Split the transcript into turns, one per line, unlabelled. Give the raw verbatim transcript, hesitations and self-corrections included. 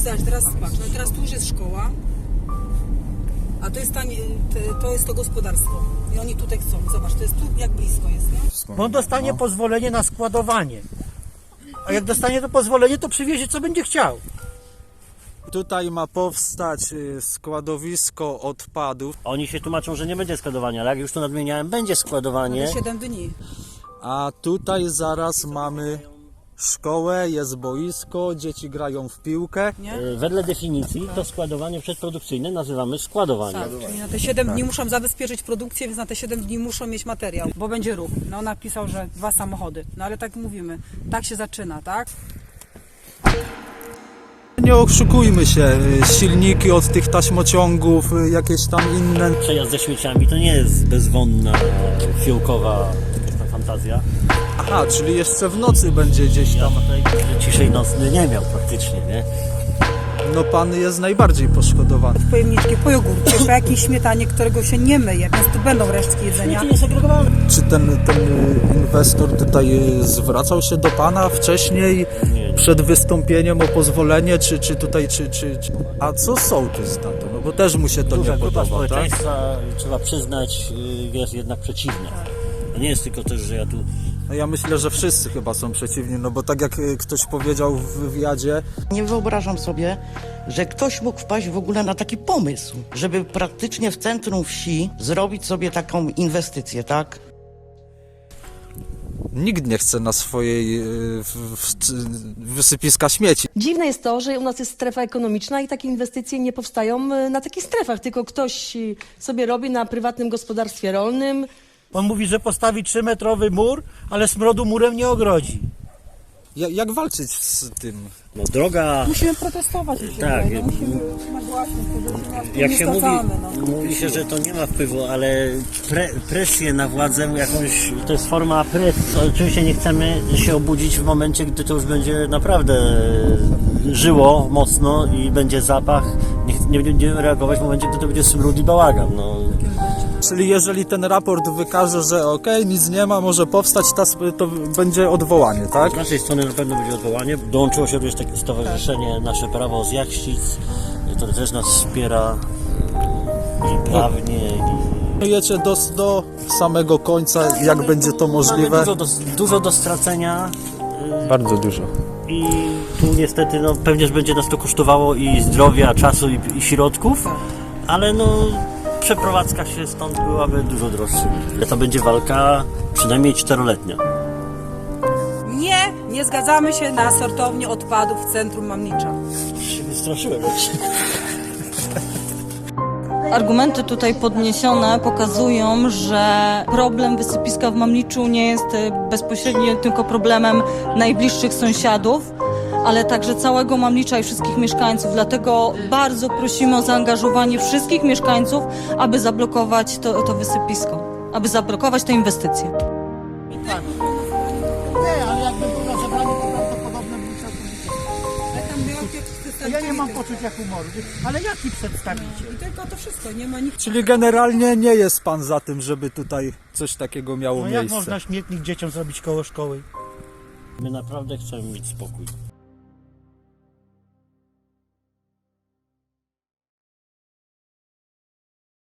Zobacz, teraz patrz, no teraz tu już jest szkoła, a to jest, ta, to jest to gospodarstwo. I oni tutaj chcą. Zobacz, to jest tu jak blisko jest, nie?
Bo on dostanie
No.
pozwolenie na składowanie. A jak dostanie to pozwolenie, to przywiezie co będzie chciał.
Tutaj ma powstać składowisko odpadów,
Oni się tłumaczą, że nie będzie składowania, ale jak już to nadmieniałem, będzie składowanie.
Na siedem dni.
a tutaj zaraz mamy szkołę, jest boisko, dzieci grają w piłkę.
Nie?
E, Wedle definicji to składowanie przedprodukcyjne nazywamy składowaniem.
Tak, czyli na te siedem dni muszą zabezpieczyć produkcję, więc na te siedem dni muszą mieć materiał, bo będzie ruch. No napisał, że dwa samochody. No ale tak mówimy, tak się zaczyna, tak?
Nie oszukujmy się, silniki od tych taśmociągów, jakieś tam inne.
Przejazd ze śmieciami to nie jest bezwonna, fiołkowa jakaś tam fantazja.
Aha, czyli jeszcze w nocy będzie gdzieś
Ja
tam.
tutaj ciszej nocny nie miał praktycznie, nie?
No pan jest najbardziej poszkodowany.
W pojemniczki, po jogurcie, po jakiejś śmietanie, którego się nie myje, więc tu będą resztki jedzenia.
Śmieci niesegregowane.
Czy ten, ten inwestor tutaj zwracał się do pana wcześniej,
Nie, nie.
przed wystąpieniem o pozwolenie, czy, czy tutaj, czy, czy, czy... A co sołtys na to? No bo też mu się to
Duża
nie
grupa
podoba, tak?
społeczeństwa, trzeba przyznać, y, jest jednak przeciwna. To nie jest tylko też, że ja tu...
No ja myślę, że wszyscy chyba są przeciwni, no bo tak jak y, ktoś powiedział w wywiadzie,
Nie wyobrażam sobie, że ktoś mógł wpaść w ogóle na taki pomysł, żeby praktycznie w centrum wsi zrobić sobie taką inwestycję, tak?
nikt nie chce na swojej y, w, w, wysypiska śmieci.
Dziwne jest to, że u nas jest strefa ekonomiczna i takie inwestycje nie powstają y, na takich strefach, tylko ktoś y, sobie robi na prywatnym gospodarstwie rolnym.
On mówi, że postawi trzymetrowy mur, ale smrodu murem nie ogrodzi.
Ja, jak walczyć z tym?
No droga...
Musimy protestować. Mi się
Tak,
wydaje, no, musimy nagłaśnić to, że
Jak
nie
się mówi,
stracamy, no.
mówi się, że to nie ma wpływu, ale pre, presję na władzę jakąś, to jest forma presji. Oczywiście nie chcemy się obudzić w momencie, gdy to już będzie naprawdę żyło mocno i będzie zapach. Nie, nie będziemy reagować w momencie, gdy to będzie smród i bałagan. No.
Czyli jeżeli ten raport wykaże, że okej, nic nie ma, może powstać, ta, sp- to będzie odwołanie, tak?
Z naszej strony na pewno będzie odwołanie. Dołączyło się również takie stowarzyszenie Nasze Prawo z Jachcic, które też nas wspiera i prawnie. I...
Jecie do, do samego końca, jak będzie to możliwe.
Mamy dużo do, dużo do stracenia.
Bardzo dużo.
I tu niestety no, pewnie będzie nas to kosztowało i zdrowia, czasu i, i środków, ale no przeprowadzka się stąd byłaby dużo droższa. To będzie walka przynajmniej czteroletnia.
Nie, nie zgadzamy się na sortownię odpadów w centrum Mamnicza.
Się wystraszyłem.
Argumenty tutaj podniesione pokazują, że problem wysypiska w Mamliczu nie jest bezpośrednio tylko problemem najbliższych sąsiadów, ale także całego Mamlicza i wszystkich mieszkańców. Dlatego bardzo prosimy o zaangażowanie wszystkich mieszkańców, aby zablokować to, to wysypisko, aby zablokować tę inwestycję.
Nie, ale jakby był na zebraniu, to prawdopodobnie bym całkowicie.
Ale tam była
Ja nie mam poczucia humoru, ale jaki przedstawicie?
I tylko to wszystko, nie ma nikt.
Czyli generalnie nie jest pan za tym, żeby tutaj coś takiego miało
No jak
miejsce.
można śmietnik dzieciom zrobić koło szkoły?
My naprawdę chcemy mieć spokój.